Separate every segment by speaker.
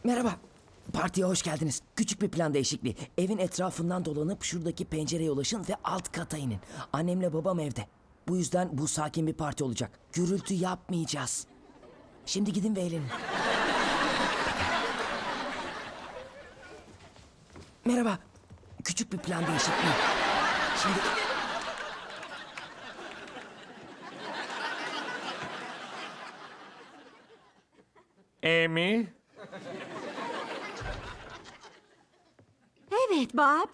Speaker 1: Merhaba. Partiye hoş geldiniz. Küçük bir plan değişikliği. Evin etrafından dolanıp şuradaki pencereye ulaşın ve alt kata inin. Annemle babam evde. Bu yüzden bu sakin bir parti olacak. Gürültü yapmayacağız. Şimdi gidin ve eğlenin. Merhaba. Küçük bir plan değişikliği. Şimdi...
Speaker 2: Amy,
Speaker 3: Evet Bob.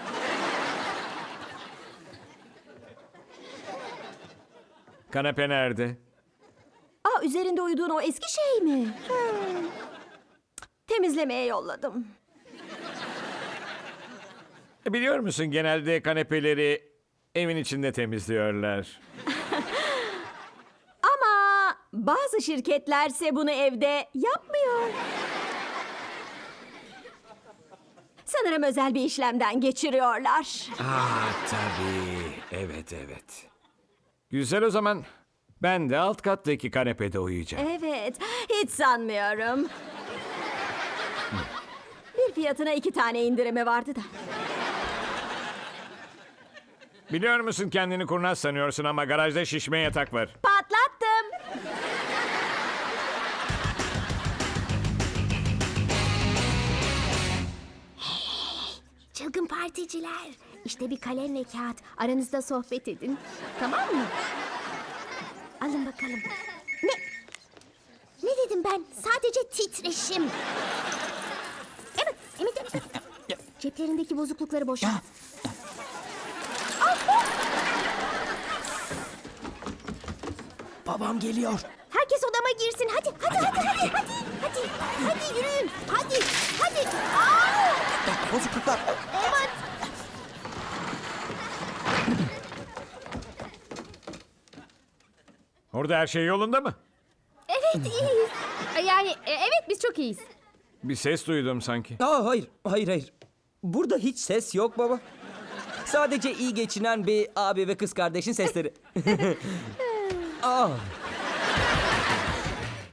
Speaker 2: kanepe nerede?
Speaker 3: Üzerinde uyuduğun o eski şey mi? Temizlemeye yolladım.
Speaker 2: Biliyor musun, genelde kanepeleri evin içinde temizliyorlar.
Speaker 3: Ama bazı şirketlerse bunu evde yapmıyor. Sanırım özel bir işlemden geçiriyorlar.
Speaker 2: Tabii. Evet. Güzel, o zaman ben de alt kattaki kanepede uyuyacağım.
Speaker 3: Evet, hiç sanmıyorum. Bir fiyatına 2 tane indirimi vardı da.
Speaker 2: Biliyor musun, kendini kurnaz sanıyorsun ama garajda şişme yatak var.
Speaker 3: Patlattım.
Speaker 4: Çılgın particiler. İşte bir kalem ve kağıt. Aranızda sohbet edin. Tamam mı? Alın bakalım. Ne? Ne dedim ben? Sadece titreşim. Evet. Ceplerindeki bozuklukları boşalt.
Speaker 1: Babam geliyor.
Speaker 4: Herkes odama girsin. Hadi yürüyün. Hadi.
Speaker 1: Bozukluklar.
Speaker 4: Evet.
Speaker 2: Orada her şey yolunda mı?
Speaker 4: Evet iyiyiz. Yani evet biz çok iyiyiz.
Speaker 2: Bir ses duydum sanki.
Speaker 5: Hayır. Burada hiç ses yok baba. Sadece iyi geçinen bir abi ve kız kardeşin sesleri.